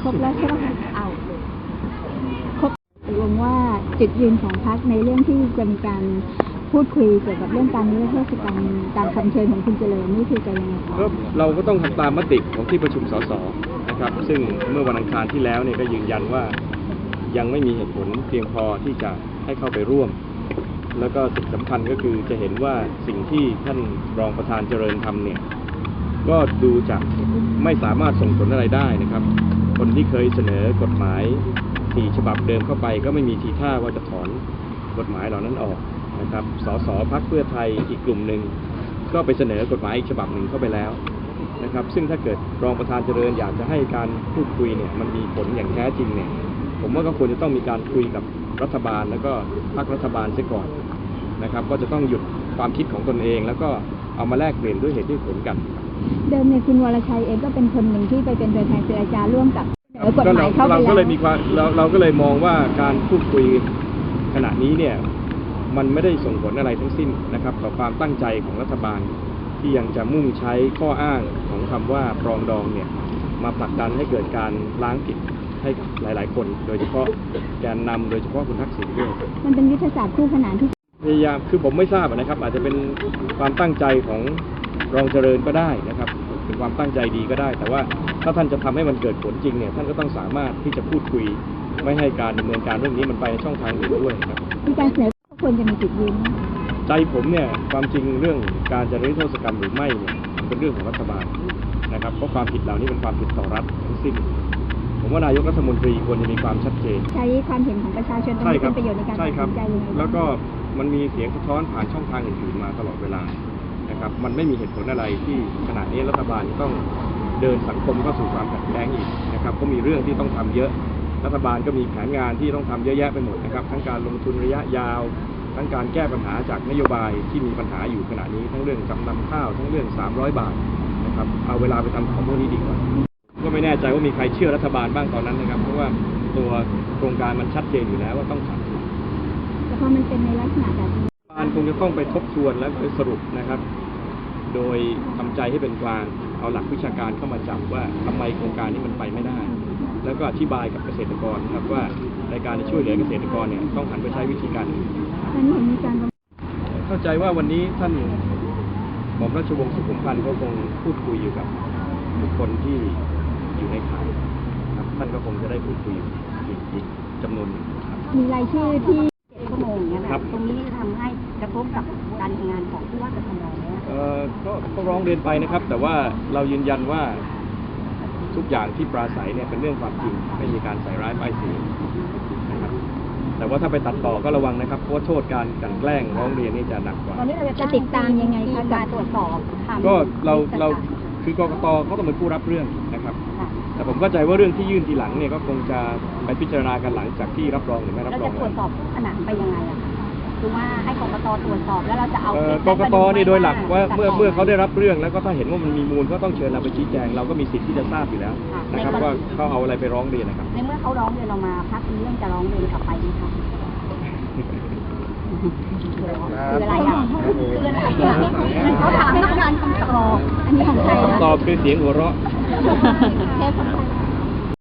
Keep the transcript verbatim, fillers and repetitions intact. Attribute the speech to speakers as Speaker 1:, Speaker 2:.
Speaker 1: รบแล้วใช่ไหมคะเอาครบตกลงว่าจุดยืนของพรรคในเรื่องที่จะมีการพูดคุยเกี่ยวกับเรื่องการนิรโทษกรรมการคำเชิญของคุณเจริญนี่คือจะยังไงคะ
Speaker 2: เราก็ต้องทำตามมติของที่ประชุมสสนะครับซึ่งเมื่อวันอังคารที่แล้วเนี่ยก็ยืนยันว่ายังไม่มีเหตุผลเพียงพอที่จะให้เข้าไปร่วมแล้วก็สิ่งสำคัญก็คือจะเห็นว่าสิ่งที่ท่านรองประธานเจริญทำเนี่ยก็ดูจะไม่สามารถส่งผลอะไรได้นะครับคนที่เคยเสนอกฎหมายสี่ฉบับเดิมเข้าไปก็ไม่มีทีท่าว่าจะถอนกฎหมายเหล่านั้นออกนะครับสสพรรคเพื่อไทยอีกกลุ่มหนึ่งก็ไปเสนอกฎหมายอีกฉบับหนึ่งเข้าไปแล้วนะครับซึ่งถ้าเกิดรองประธานเจริญอยากจะให้การพูดคุยเนี่ยมันมีผลอย่างแท้จริงเนี่ยผมว่าก็ควรจะต้องมีการคุยกับรัฐบาลแล้วก็พรรครัฐบาลเสียก่อนนะครับก็จะต้องหยุดความคิดของตนเองแล้วก็เอามาแลกเปลี่ยนด้วยเหตุด้วยผลกัน
Speaker 1: เดิมเนี่ยคุณวรชัยเองก็เป็นคนหนึ่งที่ไปเป็นตัวแทนเจรจาร่วมกับกฎหมายเข้าไปแล้วเราก็เลยมีความ
Speaker 2: เราเราก็เลยมองว่าการพูดคุยขณะนี้เนี่ยมันไม่ได้ส่งผลอะไรทั้งสิ้นนะครับต่อความตั้งใจของรัฐบาลที่ยังจะมุ่งใช้ข้ออ้างของคำว่าปรองดองเนี่ยมาผลักดันให้เกิดการล้างผิดให้หลายๆคนโดยเฉพาะแกนนำโดยเฉพาะคุณทักษิณด้วย
Speaker 1: มันเป็นยุทธศาสตร์คู่ขนานที่
Speaker 2: พยายามคือผมไม่ทราบนะครับอาจจะเป็นความตั้งใจของรองเจริญก็ได้นะครับเป็นความตั้งใจดีก็ได้แต่ว่าถ้าท่านจะทำให้มันเกิดผลจริงเนี่ยท่านก็ต้องสามารถที่จะพูดคุยไม่ให้การดำเนินการเรื่องนี้มันไปช่องทางอื่นด้วยครับ
Speaker 1: มีการเสนอควรจะมีจุดยืน
Speaker 2: ใจผมเนี่ยความจริงเรื่องการจะนิรโทษกรรมหรือไม่เนี่ยเป็นเรื่องของรัฐบาลนะครับเพราะความผิดเหล่านี้เป็นความผิดต่อรัฐทั้งสิ้นผมว่านายกรัฐมนตรีควรจะมีความชัดเจน
Speaker 1: ใช้ความเห็นของประชาชนเป็นประโยชน์ในการตัดสินใจยังไง
Speaker 2: แล้วก็มันมีเสียงสะท้อนผ่านช่องทางอื่นๆมาตลอดเวลานะครับมันไม่มีเหตุผลอะไรที่ขณะนี้รัฐบาลต้องเดินสังคมเข้าสู่ความขัดแย้งอีกนะครับก็มีเรื่องที่ต้องทำเยอะรัฐบาลก็มีแผนงานที่ต้องทำเยอะแยะไปหมดนะครับทั้งการลงทุนระยะยาวทั้งการแก้ปัญหาจากนโยบายที่มีปัญหาอยู่ขณะนี้ทั้งเรื่องจำนำข้าวทั้งเรื่องสามร้อยบาทนะครับเอาเวลาไปทำของพวกนี้ดีกว่าก็ไม่แน่ใจว่ามีใครเชื่อรัฐบาลบ้างตอนนั้นนะครับเพราะว่าตัวโครงการมันชัดเจนอยู่แล้วว่าต้องทำ
Speaker 1: แต่พอมันเป็นในลักษณะแบบนี้
Speaker 2: รัฐบาลคงจะต้องไปทบทวนและไปสรุปนะครับโดยทำใจให้เป็นกลางเอาหลักวิชาการเข้ามาจับว่าทำไมโครงการนี้มันไปไม่ได้แล้วก็อธิบายกับเกษตรกรครับว่าในการจะช่วยเหลือเกษตรกรเนี่ยต้องหันไปใช้วิธีการอื่น
Speaker 1: ตอนนี้เห็นมีการ
Speaker 2: เข้าใจว่าวันนี้ท่านหม่อมราชวงศ์สุขุมพันธ์ก็คงพูดคุยอยู่กับบุคคลที่อยู่ในข่ายครับท่านก็คงจะได้พูดคุยอีกจำนวนหนึ่งครับ
Speaker 1: มีรายชื่อที่เจ็ดชั่วโมงเนี่ย
Speaker 2: ครับ
Speaker 1: ตรงนี้ทำให้กระทบกับการทำงานของผู้ว่ากทมเนี่ย
Speaker 2: เอ่อก็ก็ร้องเรียนไปนะครับแต่ว่าเรายืนยันว่าทุกอย่างที่ปราศัยเนี่ยเป็นเรื่องความจริงไม่มีการใส่ร้ายป้ายสีนะครับแต่ว่าถ้าไปตัดต่อก็ระวังนะครับเพราะโทษการกลั่นแกล้งร้องเรียนนี่จะหนักกว่า
Speaker 1: ตอนนี้เราจะติดตามยังไงคะการตรวจสอบ
Speaker 2: ก็เราเราคือกกตเขาต้องเป็นผู้รับเรื่องนะครับแต่ผมเข้าใจว่าเรื่องที่ยื่นทีหลังเนี่ยก็คงจะไปพิจารณากันหลังจากที่รับรองหรือไม่รับรอง
Speaker 1: แล้วจะตรวจสอบขนาดไปยังไงอะคือว่าให้กกตตรวจสอบแล้วเราจะเอา
Speaker 2: กกตนี่โดยหลักว่าเมื่อเมื่อเขาได้รับเรื่องแล้วก็ถ้าเห็นว่ามันมีมูลก็ต้องเชิญเราไปชี้แจงเราก็มีสิทธิ์ที่จะทราบอยู่แล้วนะครับว่าเขาเอาอะไรไปร้องเรียนนะครับ
Speaker 1: ในเมื่อเขาร้องเรียนเรามาพรรคนี้ยังจะร้องเรียนกลับไปไหมคะคืออะไรอ่ะคืออะไรอ่ะเขาถามต้องการคำตอบอันนี้ของใคร
Speaker 2: คำตอบคือเสียงหัวเราะ